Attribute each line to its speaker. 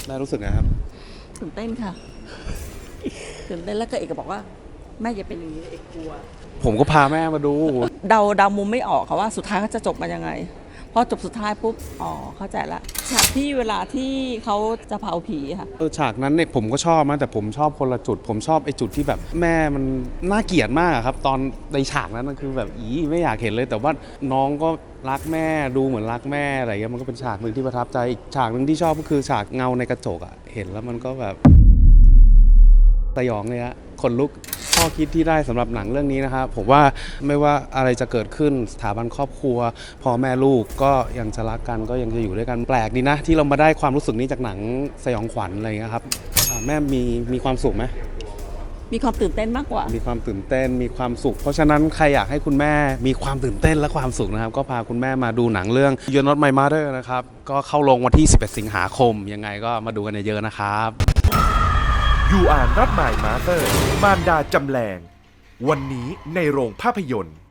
Speaker 1: แม่รู้สึกไงครับ
Speaker 2: ตื่นเต้นค่ะตื่นเต้นแล้วก็เอกก็บอกว่าแม่อย่าเป็นอย่างนี้เอกกลัว
Speaker 1: ผมก็พาแม่มาดู
Speaker 2: เดามุมไม่ออกค่ะว่าสุดท้ายเขาจะจบมายังไงพอจบสุดท้ายปุ๊บอ๋อเข้าใจละฉากที่เวลาที่เขาจะเผาผีค่ะ
Speaker 1: ฉากนั้นเนี่ยผมก็ชอบนะแต่ผมชอบคนละจุดผมชอบไอ้จุดที่แบบแม่มันน่าเกลียดมากครับตอนในฉากนั้นมันคือแบบไม่อยากเห็นเลยแต่ว่าน้องก็รักแม่ดูเหมือนรักแม่อะไรเงี้ยมันก็เป็นฉากหนึ่งที่ประทับใจอีกฉากหนึ่งที่ชอบก็คือฉากเงาในกระจกอ่ะเห็นแล้วมันก็แบบสยองเลยฮะขนลุกข้อคิดที่ได้สำหรับหนังเรื่องนี้นะครับผมว่าไม่ว่าอะไรจะเกิดขึ้นสถาบันครอบครัวพ่อแม่ลูกก็ยังจะรักกันก็ยังจะอยู่ด้วยกันแปลกดีนะที่เรามาได้ความรู้สึกนี้จากหนังสยองขวัญอะไรเงี้ยครับแม่มีความสุขไหม
Speaker 2: มีความตื่นเต้นมากกว่า
Speaker 1: มีความตื่นเต้นมีความสุขเพราะฉะนั้นใครอยากให้คุณแม่มีความตื่นเต้นและความสุขนะครับก็พาคุณแม่มาดูหนังเรื่อง You're Not My Mother นะครับก็เข้าลงวันที่11สิงหาคมยังไงก็มาดูกันเยอะๆนะครับ
Speaker 3: You Are Not My Mother มารดาจำแรงวันนี้ในโรงภาพยนตร์